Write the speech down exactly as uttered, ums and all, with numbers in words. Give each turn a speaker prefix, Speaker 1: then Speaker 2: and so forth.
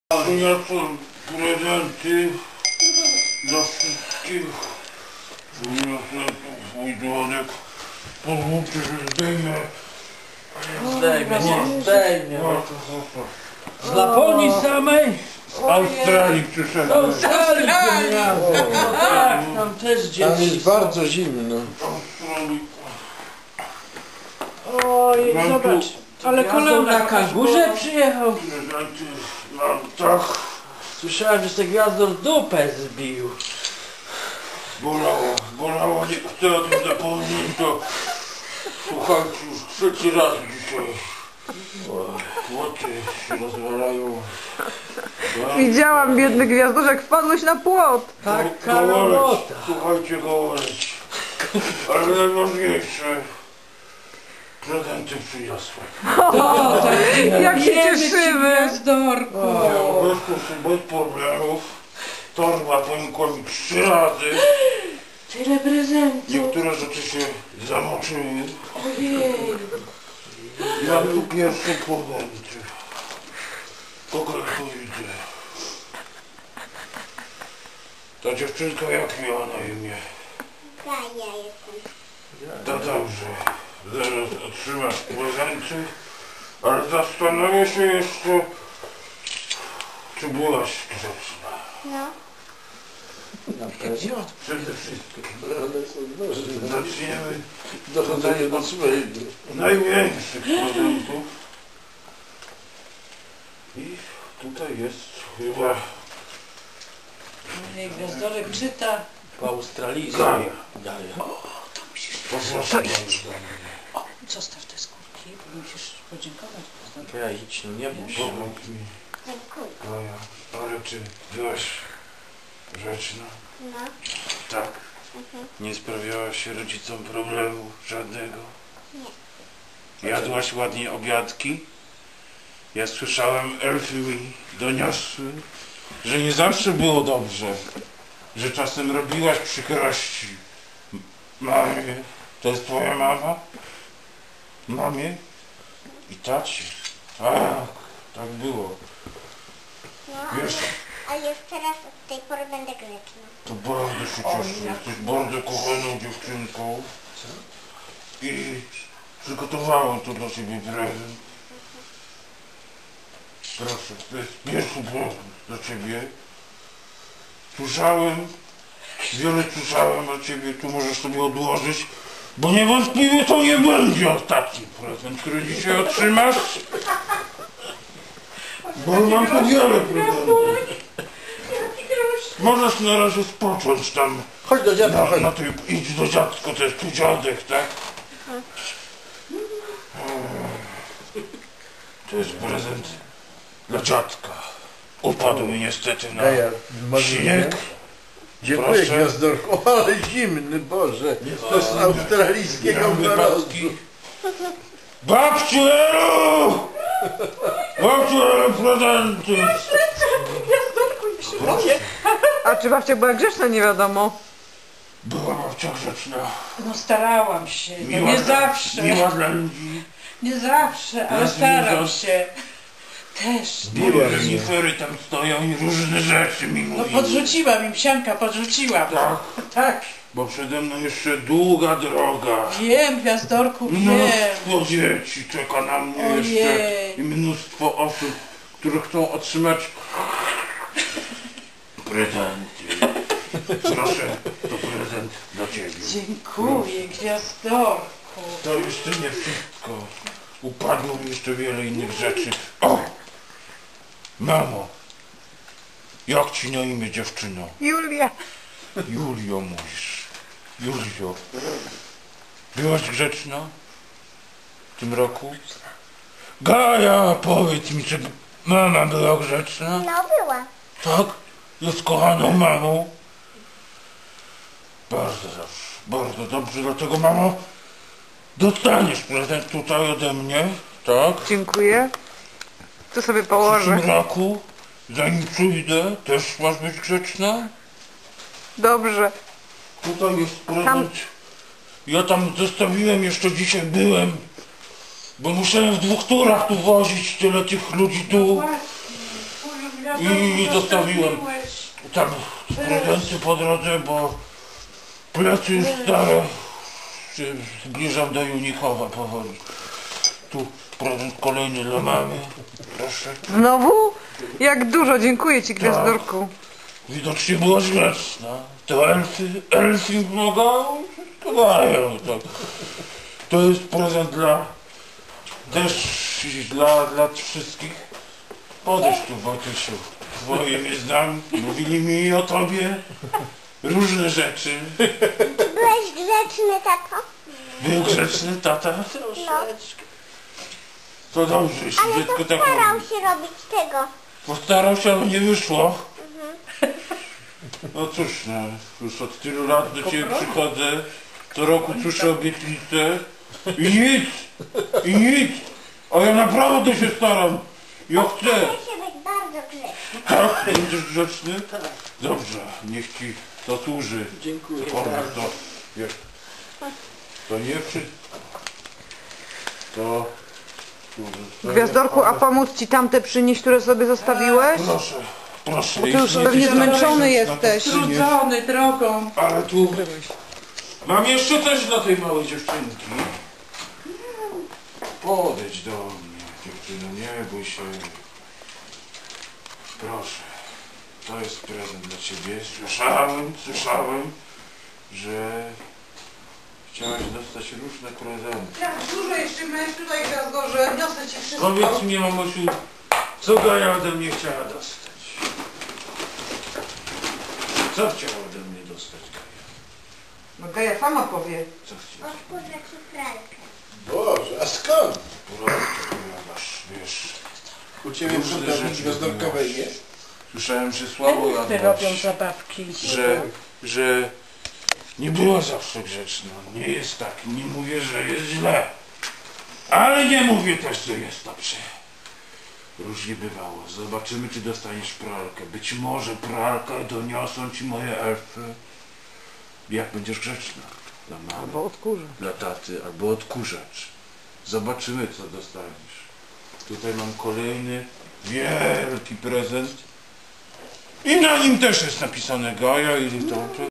Speaker 1: Przyniosłem prezenty dla wszystkich. Przyniosłem tu swój dzwonek. Pozwólcie, że zdejmę.
Speaker 2: Zdejmie, nie zdejmie.
Speaker 1: O, to chłopak.
Speaker 2: Z Laponii samej?
Speaker 1: Z Australii przyszedłem.
Speaker 2: Australii! No tak, tam też
Speaker 3: Tam
Speaker 2: dzieci
Speaker 3: jest
Speaker 2: są.
Speaker 3: bardzo zimno.
Speaker 1: Z Australii.
Speaker 4: Oj,
Speaker 1: Mam
Speaker 4: zobacz, ale
Speaker 2: Gwiazdą
Speaker 4: kolana
Speaker 2: na kangurze przyjechał.
Speaker 1: Prezenty mam tak.
Speaker 2: Słyszałem, że se Gwiazdor dupę zbił.
Speaker 1: Bolało, bolało, nie chcę o tym zapomnieć, to słuchajcie, już trzeci raz dzisiaj. Płoty się rozwalają.
Speaker 4: widziałam biedny gwiazdorze, jak wpadłeś na płot.
Speaker 2: Taka robota.
Speaker 1: Słuchajcie, gołoleć. Ale najważniejsze, prezenty przyniosłem.
Speaker 2: O, tak,
Speaker 4: Jak się
Speaker 2: wiemy ci,
Speaker 4: cieszymy.
Speaker 2: Gwiazdorku.
Speaker 1: Bez, bez problemów. Torba pękła mi trzy razy.
Speaker 2: Tyle prezentów.
Speaker 1: Niektóre rzeczy się zamoczyły.
Speaker 2: Ojej.
Speaker 1: Ja tu pierwsze prezenty. Kogo tu widzę? Ta dziewczynka jak miała na imię?
Speaker 5: Gaja jestem.
Speaker 1: To dobrze. Zaraz otrzymasz prezenty. Ale zastanowię się jeszcze, czy byłaś grzeczna.
Speaker 5: No.
Speaker 1: Przede wszystkim.
Speaker 3: One są nożne.
Speaker 1: Zaczniemy
Speaker 3: Dochodzenie do swojego.
Speaker 1: największych prezentów. I tutaj jest chyba
Speaker 2: Ojej, Gwiazdorek czyta. Po australijsku.
Speaker 1: Gaja.
Speaker 2: Gaja. O, to musisz...
Speaker 1: poproszę do mnie.
Speaker 2: O, zostaw te skórki, bo musisz podziękować.
Speaker 3: Ja idź, no nie bój się.
Speaker 1: Pomóż mi.
Speaker 5: Dziękuję.
Speaker 1: Gaja. Ale czy byłaś grzeczna?
Speaker 5: No.
Speaker 1: Tak.
Speaker 5: Mhm.
Speaker 1: Nie sprawiałaś rodzicom problemu żadnego?
Speaker 5: Nie.
Speaker 1: Jadłaś ładnie obiadki? Ja słyszałem, elfy mi doniosły, że nie zawsze było dobrze, że czasem robiłaś przykrości. M- Mamie, to jest twoja mama? Mamie? I tacie? Tak, tak było.
Speaker 5: No,
Speaker 1: Wiesz,
Speaker 5: a już teraz od tej pory będę grzeczna.
Speaker 1: to bardzo się cieszę, jesteś bardzo kochaną dziewczynką. I przygotowałem tu dla ciebie prezent. Proszę, to jest pierwszy prezent dla ciebie. Słyszałem, wiele słyszałem o ciebie, tu możesz sobie odłożyć, bo niewątpliwie to nie będzie ostatni prezent, który dzisiaj otrzymasz. Bo mam tu wiele prezentów. Możesz na razie spocząć tam.
Speaker 3: Chodź do dziadka,
Speaker 1: Na,
Speaker 3: chodź.
Speaker 1: na tej, idź do dziadka, to jest tu dziadek, tak? To jest prezent dla dziadka. Upadł mi niestety na
Speaker 3: Gaja, może
Speaker 1: śnieg.
Speaker 3: nie? Dziękuję,
Speaker 1: Proszę.
Speaker 3: Gwiazdorku. O, ale zimny, Boże. To z australijskiego
Speaker 1: Miałem
Speaker 3: mrozu.
Speaker 1: wypadki. Babciu Elu! Babciu Elu, prezenty!
Speaker 4: A czy babcia była grzeczna, nie wiadomo.
Speaker 1: Była babcia grzeczna.
Speaker 2: No starałam się, no
Speaker 1: Miła
Speaker 2: nie
Speaker 1: dla-
Speaker 2: zawsze.
Speaker 1: Miła dla ludzi.
Speaker 2: Nie zawsze, ale
Speaker 1: Ja
Speaker 2: staram
Speaker 1: zwierząt.
Speaker 2: się. Też.
Speaker 1: Były renifery tam stoją i różne rzeczy mi
Speaker 2: No
Speaker 1: mówiły.
Speaker 2: podrzuciła mi psianka, podrzuciła.
Speaker 1: Tak,
Speaker 2: Tak.
Speaker 1: bo przede mną jeszcze długa droga.
Speaker 2: Wiem, Gwiazdorku, wiem.
Speaker 1: Mnóstwo dzieci czeka na mnie
Speaker 2: Ojej.
Speaker 1: jeszcze i mnóstwo osób, które chcą otrzymać prezenty. Proszę, to prezent dla ciebie.
Speaker 2: Dziękuję, Gwiazdorku.
Speaker 1: To jeszcze nie wszystko. Upadło mi jeszcze wiele innych rzeczy. O! Mamo! Jak ci na imię, dziewczyno?
Speaker 4: Julia.
Speaker 1: Julio mówisz. Julio. Byłaś grzeczna? W tym roku? Gaja, powiedz mi, czy mama była grzeczna?
Speaker 5: No, była.
Speaker 1: Tak? Jest kochaną mamą? Bardzo dobrze, bardzo dobrze, dlatego mamo dostaniesz prezent tutaj ode mnie, tak?
Speaker 4: Dziękuję. Tu sobie
Speaker 1: W
Speaker 4: położę.
Speaker 1: tym roku, zanim przyjdę, też masz być grzeczna?
Speaker 4: Dobrze.
Speaker 1: Tutaj jest prezent.
Speaker 4: Tam-
Speaker 1: Ja tam zostawiłem, jeszcze dzisiaj byłem, bo musiałem w dwóch turach tu wozić tyle tych ludzi tu.
Speaker 2: Właśnie,
Speaker 1: I zostawiłem tam prezenty po drodze, bo plecy już stare. Się zbliżam do Junikowa powoli. Tu prezent kolejny dla mamy. Proszę.
Speaker 4: Znowu? Jak dużo, dziękuję ci, Gwiazdorku.
Speaker 1: Widocznie była grzeczna. To elfy, elfy pomagają, wszystko dają. Tak. To jest prezent dla, też dla, dla wszystkich. Podejdź tu, Wojtysiu. Twoje mnie znam, mówili mi o tobie różne rzeczy.
Speaker 5: Byłeś grzeczny, tato?
Speaker 1: Był grzeczny tata?
Speaker 5: Troszeczkę.
Speaker 1: To dobrze, jeśli
Speaker 5: Ale
Speaker 1: dziecko
Speaker 5: to
Speaker 1: tak
Speaker 5: starał
Speaker 1: mówi.
Speaker 5: się robić tego.
Speaker 1: Postarał się, ale nie wyszło. No cóż, no, już od tylu lat do ciebie przychodzę, co roku słyszę obietnice i nic, i nic, a ja naprawdę się staram. Ja chcę.
Speaker 5: Staraj się być bardzo grzeczny.
Speaker 1: Tak? Będziesz grzeczny? Dobrze, niech ci to służy.
Speaker 3: Dziękuję
Speaker 1: Cokolwiek
Speaker 3: bardzo.
Speaker 1: to, wiesz, to nie przy... To...
Speaker 4: Gwiazdorku, a pomóc ci tamte przynieść, które sobie zostawiłeś?
Speaker 1: Proszę, proszę.
Speaker 4: Bo ty już
Speaker 1: jeśli
Speaker 4: pewnie
Speaker 1: jesteś
Speaker 4: zmęczony
Speaker 1: na
Speaker 4: jesteś.
Speaker 1: to przynieś.
Speaker 2: Trudzony drogą.
Speaker 1: Ale tu mam jeszcze coś dla tej małej dziewczynki. Podejdź do mnie, dziewczyno, nie bój się. Proszę, to jest prezent dla ciebie. Słyszałem, słyszałem, że chciałaś dostać różne prezenty.
Speaker 4: Jak dużo jeszcze miałeś tutaj, Gwiazdorze, niosę ci wszystko.
Speaker 1: Powiedz mi, mamusiu, co Gaja ode mnie chciała dostać? Co chciała ode mnie dostać, Gaja?
Speaker 4: No Gaja sama powie.
Speaker 1: Co chciała?
Speaker 5: Odkurzacz i pralkę.
Speaker 3: Boże, a skąd?
Speaker 1: Porządku, powiadasz, wiesz.
Speaker 3: U ciebie
Speaker 1: Różne
Speaker 3: przodownik
Speaker 1: rzeczy
Speaker 3: gwiazdorkowej
Speaker 1: robiłaś.
Speaker 3: jest?
Speaker 1: Słyszałem, że słabo
Speaker 2: Elfy robią
Speaker 1: jadłaś,
Speaker 2: zabawki.
Speaker 1: że, że nie była zawsze grzeczna. Nie jest tak, nie mówię, że jest źle. Ale nie mówię też, że jest dobrze. Różnie bywało. Zobaczymy, czy dostaniesz pralkę. Być może pralkę doniosą ci moje elfy. Jak będziesz grzeczna. Dla mamy,
Speaker 4: Albo odkurzę.
Speaker 1: dla taty, albo odkurzacz. Zobaczymy, co dostaniesz. Tutaj mam kolejny wielki prezent. I na nim też jest napisane Gaja i to.